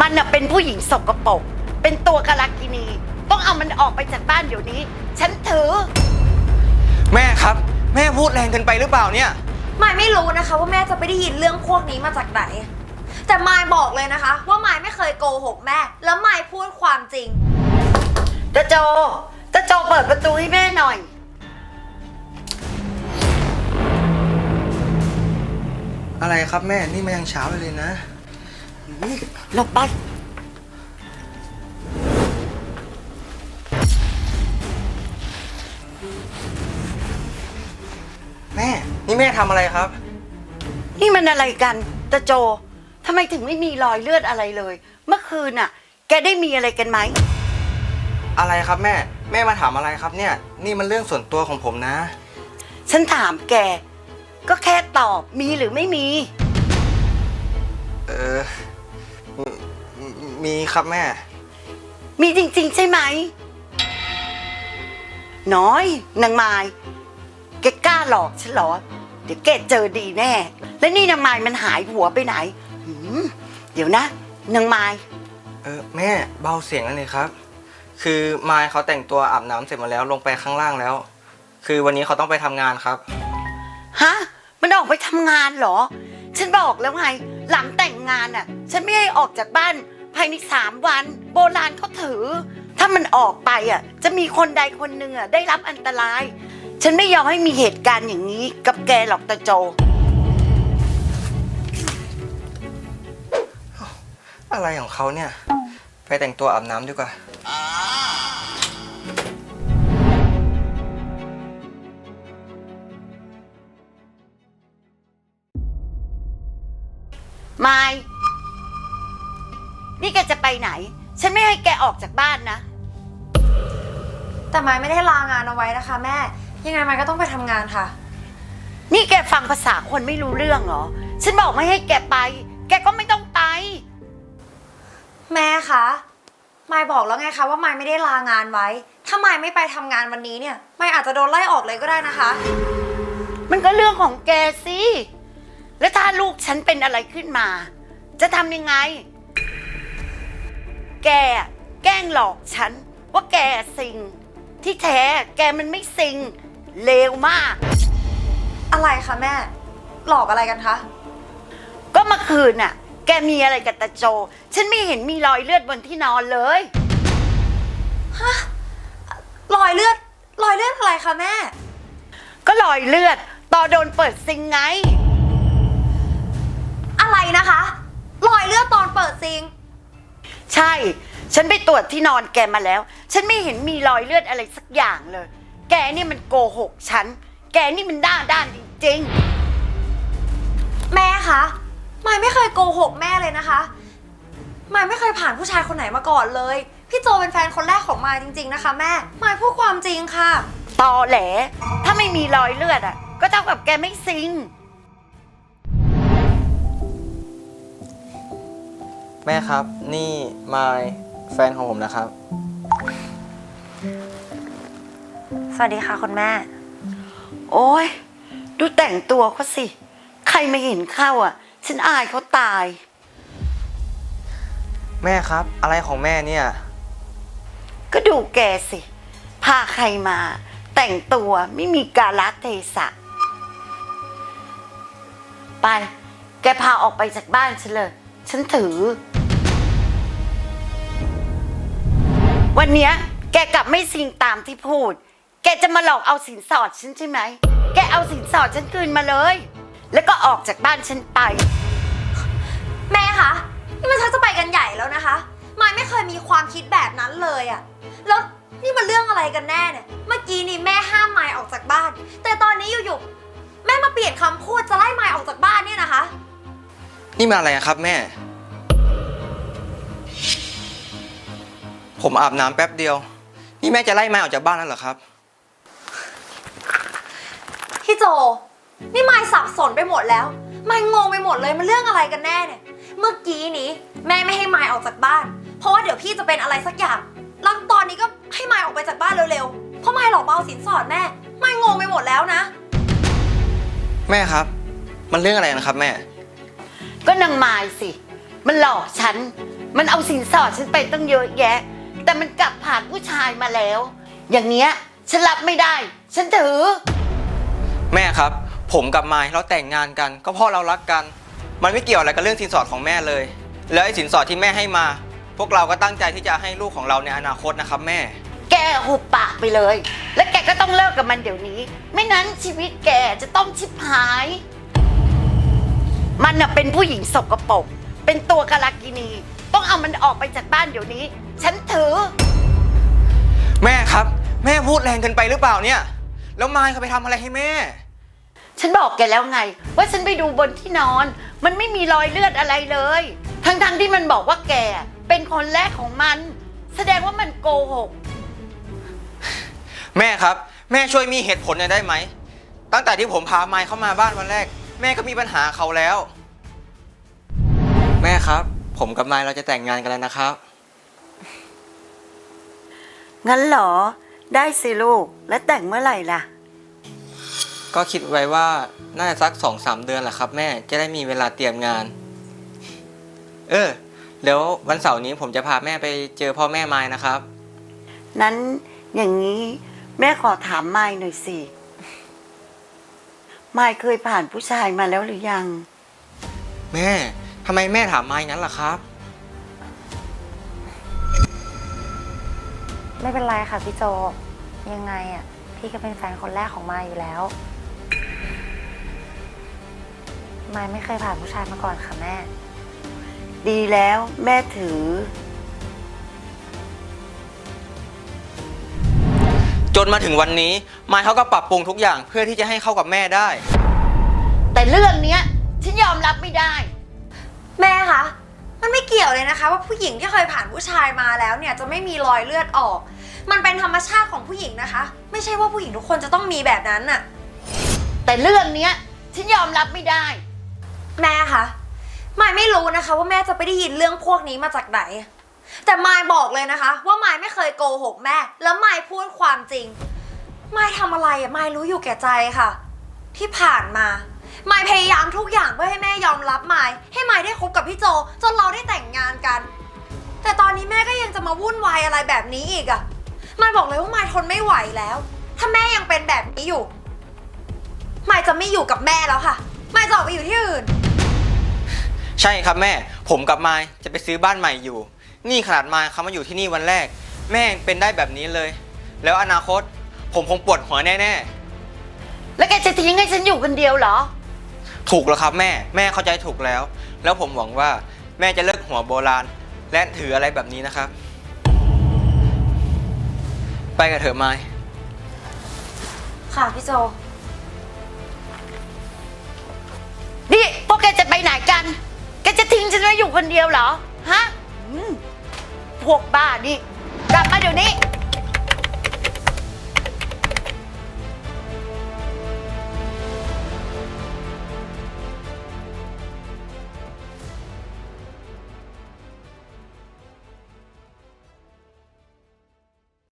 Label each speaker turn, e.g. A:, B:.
A: มันน่ะเป็นผู้หญิงสกปรกเป็นตัวกาลกินีต้องเอามันออกไปจากบ้านเดี๋ยวนี้ฉันถือ
B: แม่ครับแม่พูดแรงเกินไปหรือเปล่าเนี่ย
C: มายไม่รู้นะคะว่าแม่จะไปได้ยินเรื่องพวกนี้มาจากไหนแต่มายบอกเลยนะคะว่ามายไม่เคยโกหกแม่แล้วมายพูดความจริง
A: ตาโจเปิดประตูให้แม่หน่อย
B: อะไรครับแม่นี่มันยังเช้าเลยนะ
A: หลบไป
B: แม่นี่แม่ทำอะไรครับ
A: นี่มันอะไรกันตาโจทำไมถึงไม่มีรอยเลือดอะไรเลยเมื่อคืนน่ะแกได้มีอะไรกันไหม
B: อะไรครับแม่มาถามอะไรครับเนี่ยนี่มันเรื่องส่วนตัวของผมนะ
A: ฉันถามแกก็แค่ตอบมีหรือไม่มี
B: มีครับแม่
A: มีจริงๆใช่ไหมน้อยนางไม้แกกล้าหลอกฉันเหรอเดี๋ยวแกเจอดีแน่แล้วนี่นางไม้มันหายหัวไปไหนเดี๋ยวนะนางไม้
B: แม่เบาเสียงแล้วเลยครับคือมายเขาแต่งตัวอาบน้ำเสร็จหมดแล้วลงไปข้างล่างแล้วคือวันนี้เขาต้องไปทำงานครับ
A: ฮะมันออกไปทำงานเหรอฉันบอกแล้วไงหลังแต่งงานอ่ะฉันไม่ให้ออกจากบ้านภายใน3 วันโบราณเขาถือถ้ามันออกไปอ่ะจะมีคนใดคนหนึ่งอ่ะได้รับอันตรายฉันไม่ยอมให้มีเหตุการณ์อย่างนี้กับแกหรอกตาโจ
B: อะไรของเขาเนี่ยไปแต่งตัวอาบน้ำดีกว่า
A: ไม่นี่แกจะไปไหนฉันไม่ให้แกออกจากบ้านนะ
C: แต่มายไม่ได้ลางานเอาไว้นะคะแม่ยังไงมายก็ต้องไปทำงานค่ะ
A: นี่แกฟังภาษาคนไม่รู้เรื่องเหรอฉันบอกไม่ให้แกไปแกก็ไม่ต้องไป
C: แม่คะมายบอกแล้วไงคะว่ามายไม่ได้ลางานไว้ถ้ามายไม่ไปทำงานวันนี้เนี่ยมายอาจจะโดนไล่ออกเลยก็ได้นะคะ
A: มันก็เรื่องของแกสิแล้วถ้าลูกฉันเป็นอะไรขึ้นมาจะทำยังไงแกแกล้งหลอกฉันว่าแกซิงที่แท้แกมันไม่ซิงเลวมาก
C: อะไรคะแม่หลอกอะไรกันคะ
A: ก็เมื่อคืนน่ะแกมีอะไรกับตาโจฉันไม่เห็นมีรอยเลือดบนที่นอนเลย
C: ฮะรอยเลือดอะไรคะแม่
A: ก็รอยเลือดตอนโดนเปิดซิงไง
C: อะไรนะคะรอยเลือดตอนเปิดซิง
A: ใช่ฉันไปตรวจที่นอนแกมาแล้วฉันไม่เห็นมีรอยเลือดอะไรสักอย่างเลยแกนี่มันโกหกฉันแกนี่มันด้านจริง
C: ๆแม่คะมายไม่เคยโกหกแม่เลยนะคะมายไม่เคยผ่านผู้ชายคนไหนมาก่อนเลยพี่โจเป็นแฟนคนแรกของมายจริงๆนะคะแม่มายพูดความจริงค่ะ
A: ตอแหลถ้าไม่มีรอยเลือดอ่ะก็เท่ากับแกไม่ซิง
B: แม่ครับนี่มายแฟนของผมนะครับ
C: สวัสดีค่ะคุณแม่
A: โอ้ยดูแต่งตัวเขาสิใครมาเห็นเข้าอ่ะฉันอายเขาตาย
B: แม่ครับอะไรของแม่เนี่ย
A: ก็ดูแกสิพาใครมาแต่งตัวไม่มีกาลเทศะไปแกพาออกไปจากบ้านฉันเลยฉันถือวันเนี้ยแกกลับไม่ซิงตามที่พูดแกจะมาหลอกเอาสินสอดฉันใช่ไหมแกเอาสินสอดฉันคืนมาเลยแล้วก็ออกจากบ้านฉันไป
C: แม่คะนี่มันชักจะไปกันใหญ่แล้วนะคะมายไม่เคยมีความคิดแบบนั้นเลยอะแล้วนี่มันเรื่องอะไรกันแน่เนี่ยเมื่อกี้นี่แม่ห้ามมายออกจากบ้านแต่ตอนนี้อยู่ๆแม่มาเปลี่ยนคำพูดจะไล่มายออกจากบ้านเนี่ยนะคะ
B: นี่มาอะไรครับแม่ผมอาบน้ำแป๊บเดียวนี่แม่จะไล่มายออกจากบ้านแล้วเหรอครับ
C: พี่โจนี่มายสับสนไปหมดแล้วมายงงไปหมดเลยมันเรื่องอะไรกันแน่เนี่ยเมื่อกี้นี้แม่ไม่ให้มายออกจากบ้านเพราะว่าเดี๋ยวพี่จะเป็นอะไรสักอย่างแล้วตอนนี้ก็ให้มายออกไปจากบ้านเร็วๆเพราะมายหลอกมาเอาสินสอดแม่มายงงไปหมดแล้วนะ
B: แม่ครับมันเรื่องอะไรนะครับแม่
A: ก็นางมายสิมันหลอกฉันมันเอาสินสอดฉันไปตั้งเยอะแยะ แต่มันกลับผ่านผู้ชายมาแล้ว อย่างเนี้ยฉันรับไม่ได้ ฉันถือ
B: แม่ครับ ผมกับมายเราแต่งงานกันก็เพราะเรารักกัน มันไม่เกี่ยวอะไรกับเรื่องสินสอดของแม่เลย แล้วไอ้สินสอดที่แม่ให้มา พวกเราก็ตั้งใจที่จะให้ลูกของเราในอนาคตนะครับแม่
A: แกหุบปากไปเลย และแกก็ต้องเลิกกับมันเดี๋ยวนี้ ไม่นั้นชีวิตแกจะต้องชิบหาย มันน่ะเป็นผู้หญิงสกปรก เป็นตัวกาลากินี ต้องเอามันออกไปจากบ้านเดี๋ยวนี้ ฉันถือ
B: แม่ครับ แม่พูดแรงเกินไปหรือเปล่าเนี่ย แล้วมายเขาไปทำอะไรให้แม่
A: ฉันบอกแกแล้วไง ว่าฉันไปดูบนที่นอน มันไม่มีรอยเลือดอะไรเลย ทั้งที่มันบอกว่าแกเป็นคนแรกของมัน แสดงว่ามันโกหก
B: แม่ครับ แม่ช่วยมีเหตุผลหน่อยได้ไหม ตั้งแต่ที่ผมพามายเข้ามาบ้านวันแรก แม่ก็มีปัญหาเขาแล้ว แม่ครับ ผมกับมายเราจะแต่งงานกันแล้วนะครับ
A: งั้นเหรอ ได้สิลูก แล้วแต่งเมื่อไหร่ล่ะ
B: ก็คิดไว้ว่าน่าจะสัก2-3 เดือนแหละครับแม่จะได้มีเวลาเตรียมงาน เดี๋ยววันเสาร์นี้ผมจะพาแม่ไปเจอพ่อแม่มายนะครับ
A: นั้นอย่างนี้แม่ขอถามมายหน่อยสิมายเคยผ่านผู้ชายมาแล้วหรือยัง
B: แม่ทำไมแม่ถามมายงั้นล่ะครับ
C: ไม่เป็นไรค่ะพี่โจ ยังไงอ่ะพี่ก็เป็นแฟนคนแรกของมายอยู่แล้วมายไม่เคยผ่านผู้ชายมาก่อนค่ะแม่
A: ดีแล้วแม่ถือ
B: จนมาถึงวันนี้มายเขาก็ปรับปรุงทุกอย่างเพื่อที่จะให้เข้ากับแม่ได้
A: แต่เรื่องเนี้ยฉันยอมรับไม่ได้
C: แม่คะมันไม่เกี่ยวเลยนะคะ ว่าผู้หญิงที่เคยผ่านผู้ชายมาแล้วเนี่ยจะไม่มีรอยเลือดออก มันเป็นธรรมชาติของผู้หญิงนะคะ ไม่ใช่ว่าผู้หญิงทุกคนจะต้องมีแบบนั้นน่ะ
A: แต่เรื่องเนี้ยฉันยอมรับไม่ได้
C: แม่คะมายไม่รู้นะคะว่าแม่จะไปได้ยินเรื่องพวกนี้มาจากไหน แต่มายบอกเลยนะคะ ว่ามายไม่เคยโกหกแม่ แล้วมายพูดความจริงมายทำอะไรอะมายรู้อยู่แก่ใจค่ะ ที่ผ่านมามายพยายามทุกอย่างเพื่อให้แม่ยอมรับมายให้มายได้คบกับพี่โจจนเราได้แต่งงานกัน แต่ตอนนี้แม่ก็ยังจะมาวุ่นวายอะไรแบบนี้อีกอะมายบอกเลยว่ามายทนไม่ไหวแล้ว ถ้าแม่ยังเป็นแบบนี้อยู่มายจะไม่อยู่กับแม่แล้วค่ะมายจะออกไปอยู่ที่อื่น
B: ใช่ครับแม่ ผมกับมายจะไปซื้อบ้านใหม่อยู่ นี่ขนาดมายเขามาอยู่ที่นี่วันแรก แม่ยังเป็นได้แบบนี้เลย แล้วอนาคต ผมคงปวดหัวแน่
A: แล้วแกจะทิ้งให้ฉันอยู่คนเดียวเหรอ
B: ๆ ถูกแล้วครับแม่ แม่เข้าใจถูกแล้ว แล้วผมหวังว่าแม่จะเลิกหัวโบราณ และถืออะไรแบบนี้นะครับ ไปกับเถอะมาย
C: ค่ะพี่โจ
A: นี่พวกแกจะไปไหนกัน แกจะทิ้งฉันไว้อยู่คนเดียวเหรอ ฮะพวกบ้านี่ กลับมาเดี๋ยวนี้